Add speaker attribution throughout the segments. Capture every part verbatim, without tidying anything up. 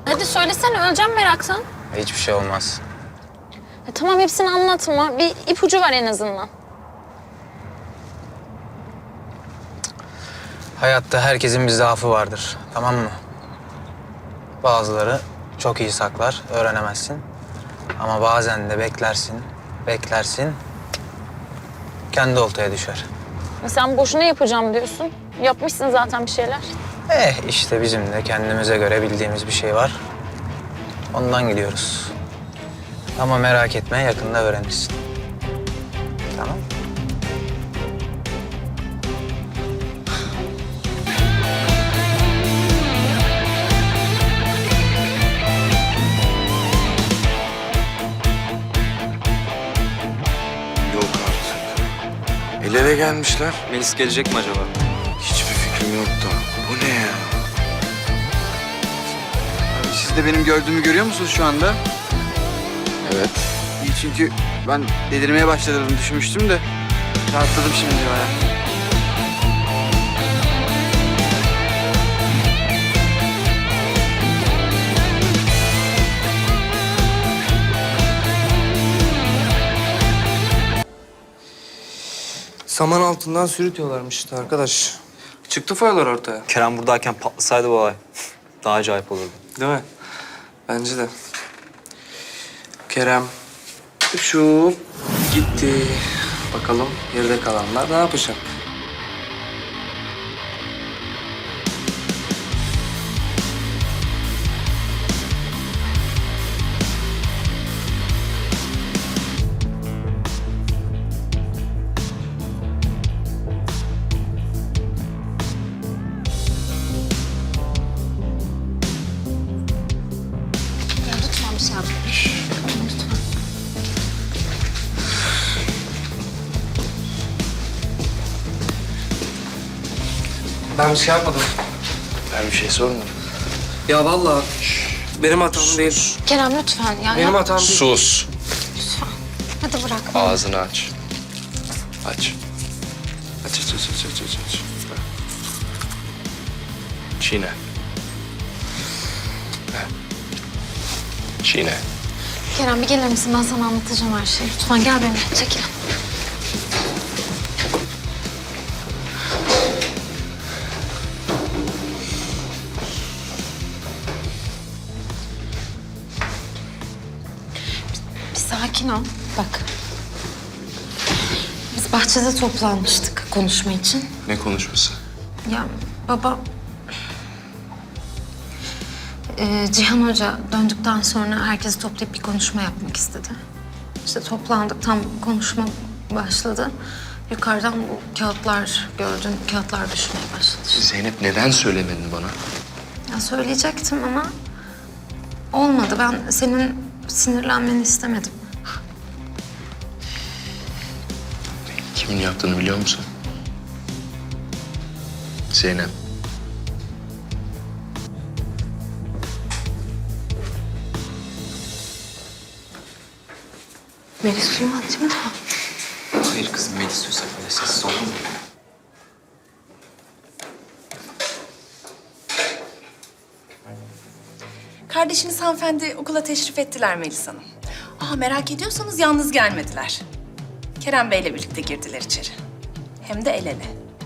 Speaker 1: Hadi söylesene, öleceğim meraktan.
Speaker 2: Hiçbir şey olmaz.
Speaker 1: Ya tamam, hepsini anlatma. Bir ipucu var en azından.
Speaker 2: Hayatta herkesin bir zaafı vardır, tamam mı? Bazıları çok iyi saklar, öğrenemezsin. Ama bazen de beklersin, beklersin, kendi oltaya düşer.
Speaker 1: Ya sen boşuna yapacağım diyorsun. Yapmışsın zaten bir şeyler.
Speaker 2: Eh işte bizim de kendimize göre bildiğimiz bir şey var. Ondan gidiyoruz. Ama merak etme, yakında öğrenirsin. Tamam.
Speaker 3: Yok artık. El ele gelmişler.
Speaker 4: Melis gelecek mi acaba?
Speaker 3: Hiçbir fikrim yok da. Bu ne ya?
Speaker 5: Abi siz de benim gördüğümü görüyor musunuz şu anda?
Speaker 3: Evet.
Speaker 5: İyi, çünkü ben delirmeye başladığımı düşünmüştüm de rahatladım şimdi bayağı.
Speaker 6: Saman altından sürütüyorlarmış işte arkadaş. Çıktı foyalar ortaya.
Speaker 4: Kerem buradayken patlasaydı bu olay daha acayip olurdu.
Speaker 6: Değil mi? Bence de. Kerem şu gitti. Bakalım geride kalanlar ne yapacak?
Speaker 1: Ya lütfen bir şey yap. Lütfen.
Speaker 6: Ben bir şey yapmadım.
Speaker 3: Ben bir şey sormadım.
Speaker 6: Ya vallahi benim hatam değil.
Speaker 1: Kerem lütfen ya.
Speaker 6: Benim
Speaker 1: ya.
Speaker 6: hatam değil.
Speaker 3: Sus.
Speaker 1: Lütfen. Hadi bırak.
Speaker 3: Ağzını aç. Aç. Aç aç aç aç aç aç. aç. Çiğne. Ha. Çiğne.
Speaker 1: Kerem bir gelir misin? Ben sana anlatacağım her şeyi. Lütfen gel benimle. Çekil. Bir, bir sakin ol. Bak. Biz bahçede toplanmıştık konuşma için.
Speaker 3: Ne konuşması?
Speaker 1: Ya baba... Ee, Cihan Hoca döndükten sonra herkesi toplayıp bir konuşma yapmak istedi. İşte toplandık, tam konuşma başladı. Yukarıdan bu kağıtlar gördün, kağıtlar düşmeye başladı.
Speaker 3: Zeynep neden söylemedin bana?
Speaker 1: Ya söyleyecektim ama olmadı. Ben senin sinirlenmeni istemedim.
Speaker 3: Kimin yaptığını biliyor musun? Zeynep.
Speaker 1: Melis duymadı değil mi?
Speaker 4: Hayır kızım, Melis diyorsa böyle sessiz olur mu?
Speaker 7: Kardeşiniz hanımefendi okula teşrif ettiler Melis Hanım. Aa, merak ediyorsanız yalnız gelmediler. Kerem Bey'le birlikte girdiler içeri. Hem de el ele.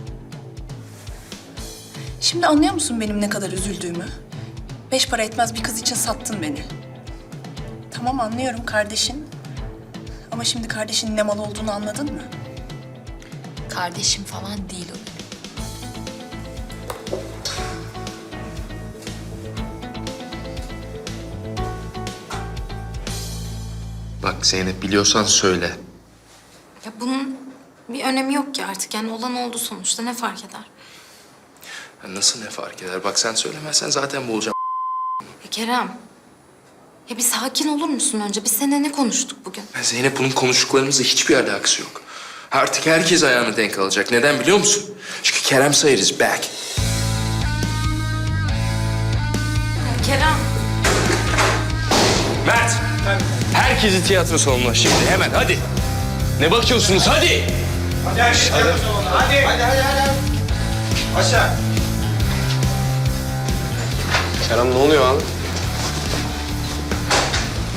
Speaker 7: Şimdi anlıyor musun benim ne kadar üzüldüğümü? Beş para etmez bir kız için sattın beni. Tamam, anlıyorum kardeşin. Ama şimdi kardeşinin ne mal olduğunu anladın mı?
Speaker 8: Kardeşim falan değil o.
Speaker 3: Bak Zeynep biliyorsan söyle.
Speaker 1: Ya bunun bir önemi yok ki artık. Yani olan oldu sonuçta. Ne fark eder?
Speaker 3: Ya nasıl ne fark eder? Bak sen söylemezsen zaten boğulacağım.
Speaker 1: Ya Kerem. Ya bir sakin olur musun önce? Biz seninle ne konuştuk bugün?
Speaker 3: Ya Zeynep bunun konuştuklarımızla hiçbir alakası yok. Artık herkes ayağını denk alacak. Neden biliyor musun? Çünkü Kerem Sayır is back.
Speaker 1: Ya Kerem.
Speaker 3: Mert! Herkesi tiyatro salonuna şimdi hemen hadi. Ne bakıyorsunuz hadi?
Speaker 5: Hadi hadi hadi. Hadi hadi hadi. hadi. Aşağı.
Speaker 3: Kerem ne oluyor abi?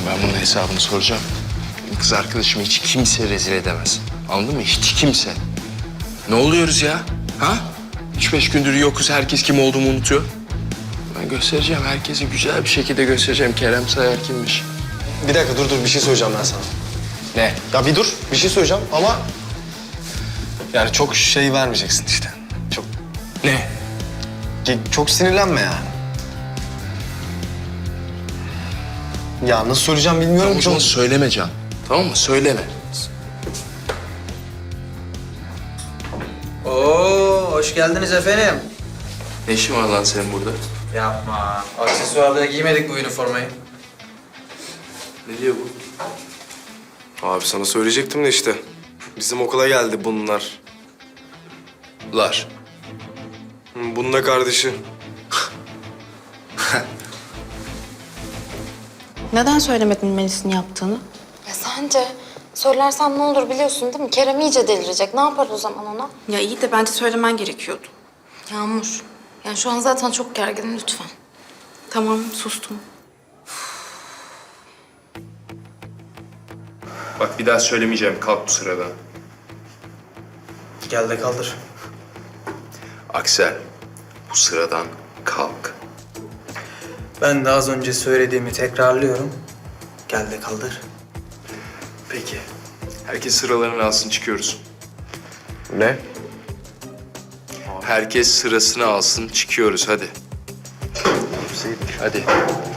Speaker 3: Ben bunun hesabını soracağım. Benim kız arkadaşımı hiç kimse rezil edemez. Anladın mı? Hiç kimse. Ne oluyoruz ya? Ha? Üç beş gündür yokuz. Herkes kim olduğumu unutuyor. Ben göstereceğim. Herkese güzel bir şekilde göstereceğim. Kerem Sayar kimmiş.
Speaker 9: Bir dakika dur dur bir şey söyleyeceğim ben sana.
Speaker 3: Ne?
Speaker 9: Ya bir dur bir şey söyleyeceğim ama yani çok şey vermeyeceksin işte. Çok
Speaker 3: Ne?
Speaker 9: çok sinirlenme yani. Ya nasıl söyleyeceğim bilmiyorum
Speaker 3: Tamam, o
Speaker 9: ki.
Speaker 3: zaman söyleme Can. Tamam mı? Söyleme.
Speaker 2: Oo, hoş geldiniz efendim.
Speaker 3: Ne işin var lan senin burada?
Speaker 2: Yapma. Aksesuarlığa giymedik bu üniformayı.
Speaker 3: Ne diyor bu?
Speaker 9: Abi sana söyleyecektim de işte. Bizim okula geldi bunlar.
Speaker 3: Lar.
Speaker 9: Hı, Bunun da kardeşi.
Speaker 10: Neden söylemedin Melis'in yaptığını?
Speaker 1: Ya sence söylersem ne olur biliyorsun değil mi? Kerem iyice delirecek. Ne yapar o zaman ona?
Speaker 10: Ya iyi de bence söylemen gerekiyordu.
Speaker 1: Yağmur. Yani şu an zaten çok gerginim lütfen.
Speaker 10: Tamam, sustum.
Speaker 3: Bak bir daha söylemeyeceğim. Kalk bu sıradan.
Speaker 2: Gel de kaldır.
Speaker 3: Aksel, bu sıradan kalk.
Speaker 2: Ben de az önce söylediğimi tekrarlıyorum. Gel de kaldır.
Speaker 3: Peki. Herkes sıralarını alsın, çıkıyoruz.
Speaker 9: Ne?
Speaker 3: Herkes sırasını alsın, çıkıyoruz. Hadi. Hadi.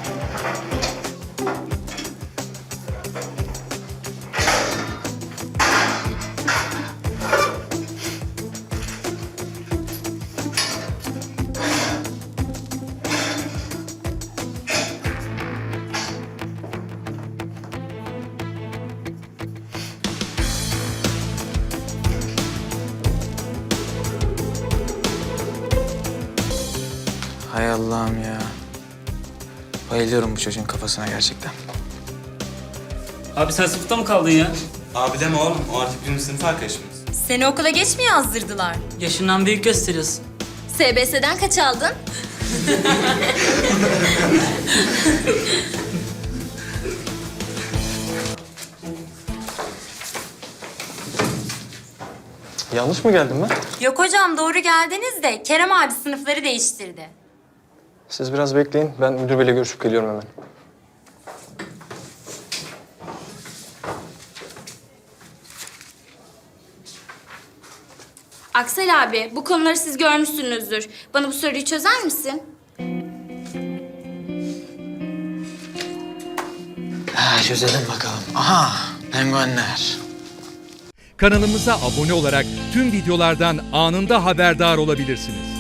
Speaker 2: Hay Allah'ım ya. Bayılıyorum bu çocuğun kafasına gerçekten.
Speaker 11: Abi sen sınıfta mı kaldın ya?
Speaker 12: Abi deme oğlum, o artık bizim sınıf arkadaşımız.
Speaker 8: Seni okula geç mi yazdırdılar?
Speaker 11: Yaşından büyük gösteriyorsun.
Speaker 8: S B S'den kaç aldın?
Speaker 9: Yanlış mı geldim ben?
Speaker 8: Yok hocam doğru geldiniz de Kerem abi sınıfları değiştirdi.
Speaker 9: Siz biraz bekleyin. Ben müdür beyle görüşüp geliyorum hemen.
Speaker 8: Aksel abi bu konuları siz görmüşsünüzdür. Bana bu soruyu çözer misin?
Speaker 2: Ha, çözelim bakalım. Aha, penguenler.
Speaker 13: Kanalımıza abone olarak tüm videolardan anında haberdar olabilirsiniz.